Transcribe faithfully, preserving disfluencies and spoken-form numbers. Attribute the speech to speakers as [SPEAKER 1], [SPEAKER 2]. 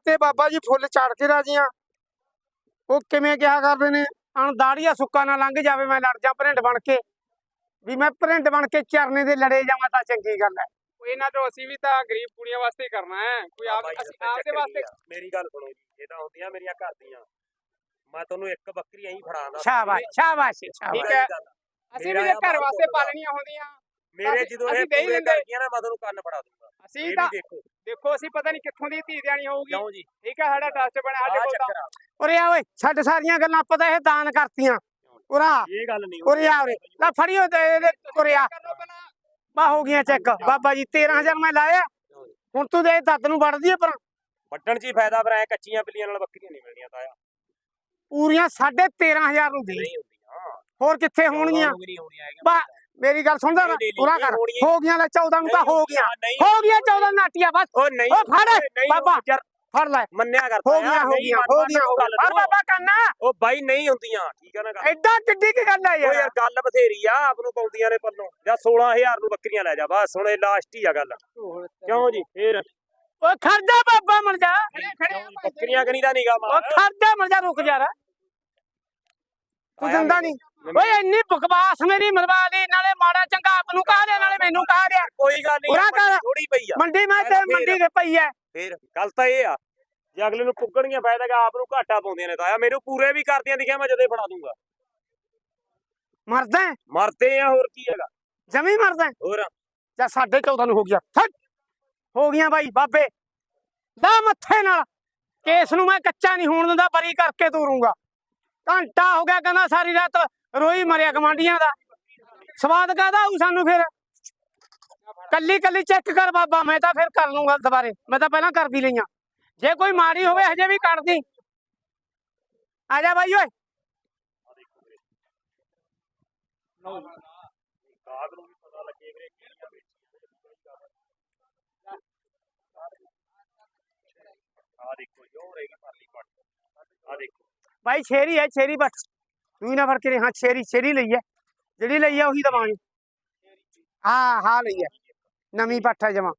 [SPEAKER 1] ਤੇ ਬਾਬਾ ਜੀ ਫੁੱਲ ਚੜ ਕੇ ਰਾਜੀਆਂ। ਉਹ ਕਿਵੇਂ ਕਿਹਾ ਕਰਦੇ ਨੇ, ਅਣਦਾੜੀਆ ਸੁੱਕਾ ਨਾ ਲੰਘ ਜਾਵੇ, ਮੈਂ ਲੜ ਜਾ ਭਰਿੰਡ ਬਣ ਕੇ, ਵੀ ਮੈਂ ਭਰਿੰਡ ਬਣ ਕੇ ਚਰਨੇ ਦੇ ਲੜੇ ਜਾਵਾਂ ਤਾਂ ਚੰਗੀ ਗੱਲ ਹੈ।
[SPEAKER 2] ਇਹਨਾਂ ਤੋਂ ਅਸੀਂ ਵੀ ਤਾਂ ਗਰੀਬ ਕੁੜੀਆਂ ਵਾਸਤੇ ਹੀ ਕਰਨਾ ਹੈ, ਕੋਈ ਆਪ ਅਸੀਂ ਆਪਦੇ ਵਾਸਤੇ।
[SPEAKER 3] ਮੇਰੀ ਗੱਲ ਸੁਣੋ ਜੀ, ਇਹ ਤਾਂ ਹੁੰਦੀਆਂ ਮੇਰੀਆਂ ਘਰ ਦੀਆਂ, ਮੈਂ ਤੁਹਾਨੂੰ ਇੱਕ ਬੱਕਰੀ ਐਂ ਫੜਾਉਂਦਾ।
[SPEAKER 1] ਸ਼ਾਬਾਸ਼ ਸ਼ਾਬਾਸ਼
[SPEAKER 2] ਠੀਕ ਹੈ, ਅਸੀਂ ਵੀ ਜੇ ਘਰ ਵਾਸਤੇ ਪਾਲਣੀਆਂ ਹੁੰਦੀਆਂ
[SPEAKER 3] ਮੇਰੇ ਜਦੋਂ ਇਹ ਪੂਰੇ ਕਰ ਗਈਆਂ ਨਾ, ਮੈਂ ਤੁਹਾਨੂੰ ਕੰਨ ਫੜਾ ਦੂੰਗਾ।
[SPEAKER 2] ਅਸੀਂ ਤਾਂ ਦੇਖੋ ਦੇਖੋ ਅਸੀਂ ਪਤਾ ਨਹੀਂ ਕਿੱਥੋਂ ਦੀ ਧੀ ਦੇਣੀ ਹੋਊਗੀ। ਕਿਉਂ ਜੀ? ਠੀਕ ਹੈ, ਸਾਡਾ ਟਰਸਟ ਬਣਿਆ ਸਾਡੇ ਕੋਲ ਤਾਂ।
[SPEAKER 1] ਉਰੇ ਆ ਓਏ, ਛੱਡ ਸਾਰੀਆਂ ਗੱਲਾਂ, ਪਤਾ ਇਹ ਦਾਨ ਕਰਤੀਆਂ। ਉਰਾ
[SPEAKER 3] ਇਹ ਗੱਲ ਨਹੀਂ,
[SPEAKER 1] ਉਰੇ ਆ ਉਰੇ ਲੈ ਫੜਿਓ ਤੇ ਉਰੇ ਆ ਬਾ ਹੋ ਗਈਆਂ ਚੈੱਕ। ਬਾਬਾ ਜੀ ਤੇਰਾਂ ਹਜ਼ਾਰ ਮੈਂ ਲਾਇਆ, ਹੁਣ ਤੂੰ ਦੇ ਦੱਤ ਨੂੰ ਵੜਦੀ ਪਰ
[SPEAKER 3] ਵੱਢਣ ਚ ਹੀ ਫਾਇਦਾ, ਪਰ ਐ ਕੱਚੀਆਂ ਬਿੱਲੀਆਂ ਨਾਲ ਬੱਕਰੀਆਂ ਨਹੀਂ ਮਿਲਦੀਆਂ ਤਾਇਆ।
[SPEAKER 1] ਪੂਰੀਆਂ ਸਾਢੇ ਤੇਰਾਂ ਹਜ਼ਾਰ ਨੂੰ ਦੇ, ਹੋਰ ਕਿੱਥੇ ਹੋਣਗੀਆਂ? ਬਾ ਮੇਰੀ ਗੱਲ ਸੁਣਦਾ ਨਾ, ਪੂਰਾ ਕਰ। ਹੋ ਗਈਆਂ ਲੈ ਚੌਦਾਂ ਨੂੰ ਤਾਂ ਹੋ ਗਈਆਂ, ਹੋ ਗਈਆਂ ਚੌਦਾਂ ਨਾਟੀਆਂ ਬਸ।
[SPEAKER 3] ਉਹ ਨਹੀਂ,
[SPEAKER 1] ਉਹ ਫੜ ਬਾਬਾ ਫੜ ਲੈ,
[SPEAKER 3] ਮੰਨਿਆ ਕਰ।
[SPEAKER 1] ਹੋ ਗਈਆਂ ਹੋ ਗਈਆਂ ਹੋ ਗਈਆਂ ਫੜ ਬਾਬਾ ਕੰਨਾ।
[SPEAKER 3] ਉਹ ਬਾਈ ਨਹੀਂ ਹੁੰਦੀਆਂ, ਠੀਕ ਹੈ ਨਾ ਗੱਲ।
[SPEAKER 1] ਐਡਾ ਕਿੱਡੀ ਕੀ ਗੱਲ ਹੈ
[SPEAKER 3] ਉਹ
[SPEAKER 1] ਯਾਰ?
[SPEAKER 3] ਯਾਰ ਗੱਲ ਬਥੇਰੀ ਆ, ਆਪ ਨੂੰ ਪਾਉਂਦੀਆਂ ਨੇ ਪੱਲੋਂ। ਜਾਂ ਸੋਲਾਂ ਹਜ਼ਾਰ ਨੂੰ ਬੱਕਰੀਆਂ ਲੈ ਜਾ ਬਸ, ਹੁਣ ਇਹ ਲਾਸਟ ਹੀ ਆ ਗੱਲ। ਕਿਉਂ ਜੀ? ਫੇਰ
[SPEAKER 1] ਓਏ ਖਰਜਾ ਬਾਬਾ ਮਰ ਜਾ,
[SPEAKER 3] ਬੱਕਰੀਆਂ ਕਨੀ ਦਾ ਨਿਗਾ ਮਾਰ।
[SPEAKER 1] ਓ ਖਰਜਾ ਮਰ ਜਾ, ਰੁਕ ਜਾ, ਤੂੰ ਦਿੰਦਾ ਨਹੀਂ। ਓਏ ਇੰਨੀ ਬਕਵਾਸ ਮੇਰੀ ਮਰਵਾ ਲਈ, ਨਾਲੇ ਮਾੜਾ ਚੰਗਾ ਆਪ ਨੂੰ ਕਹਾ ਦਿਆ, ਨਾਲੇ ਮੈਨੂੰ ਕਹਾ ਦਿਆ।
[SPEAKER 3] ਕੋਈ ਗੱਲ ਨਹੀਂ, ਥੋੜੀ ਪਈ ਆ
[SPEAKER 1] ਮੰਡੀ, ਮੈਂ ਤੇ ਮੰਡੀ ਤੇ ਪਈ ਐ।
[SPEAKER 3] ਫੇਰ ਗੱਲ ਤਾਂ ਇਹ ਆ, ਜੇ ਅਗਲੇ ਨੂੰ ਪੁੱਗਣੀਆਂ ਫਾਇਦਾ ਕਿ ਆਪ ਨੂੰ ਘਾਟਾ ਪਾਉਂਦੀਆਂ ਨੇ ਤਾਇਆ। ਮੈਨੂੰ ਪੂਰੇ ਵੀ ਕਰਦੀਆਂ ਦਿਖਿਆ, ਮੈਂ ਜਦੇ ਫੜਾ ਦੂੰਗਾ।
[SPEAKER 1] ਮਰਦਾ
[SPEAKER 3] ਮਰਦੇ ਆ, ਹੋਰ ਕੀ ਹੈਗਾ,
[SPEAKER 1] ਜਮੀ ਮਰਦਾ
[SPEAKER 3] ਹੋਰ।
[SPEAKER 1] ਜਾਂ ਸਾਢੇ ਚੌਦਾਂ ਨੂੰ ਹੋ ਗਿਆ, ਹੋ ਗਈਆਂ ਬਾਈ ਬਾਬੇ ਦਾ ਮੱਥੇ ਨਾਲ। ਕੇਸ ਨੂੰ ਮੈਂ ਕੱਚਾ ਨਹੀਂ ਹੋਣ ਦਿੰਦਾ, ਬਰੀ ਕਰਕੇ ਤੋਰੂੰਗਾ। ਘੰਟਾ ਹੋ ਗਿਆ ਕਹਿੰਦਾ ਸਾਰੀ ਰਾਤ ਰੋਈ ਮਰਿਆ ਗਵਾਂਢੀਆਂ ਦਾ, ਸਵਾਦ ਕਾਹਦਾ ਆਊ ਸਾਨੂੰ? ਫਿਰ ਕੱਲੀ ਕੱਲੀ ਚੈੱਕ ਕਰ ਬਾਬਾ, ਮੈਂ ਤਾਂ ਫਿਰ ਕਰ ਲੂੰਗਾ ਦੁਬਾਰੇ, ਮੈਂ ਤਾਂ ਪਹਿਲਾਂ ਕਰਦੀ ਲਈਆਂ। ਜੇ ਕੋਈ ਮਾੜੀ ਹੋਵੇ ਹਜੇ ਵੀ ਕੱਢਦੀ। ਆ ਜਾ ਬਾਈ ਓਏ, भाई छेरी है, छेरी बस तू ना फड़ के। हाँ छेरी छेरी लई है, जिहड़ी लई है उही दवांगे। हाँ हाँ लई है, नवी पट्ठ है जमा।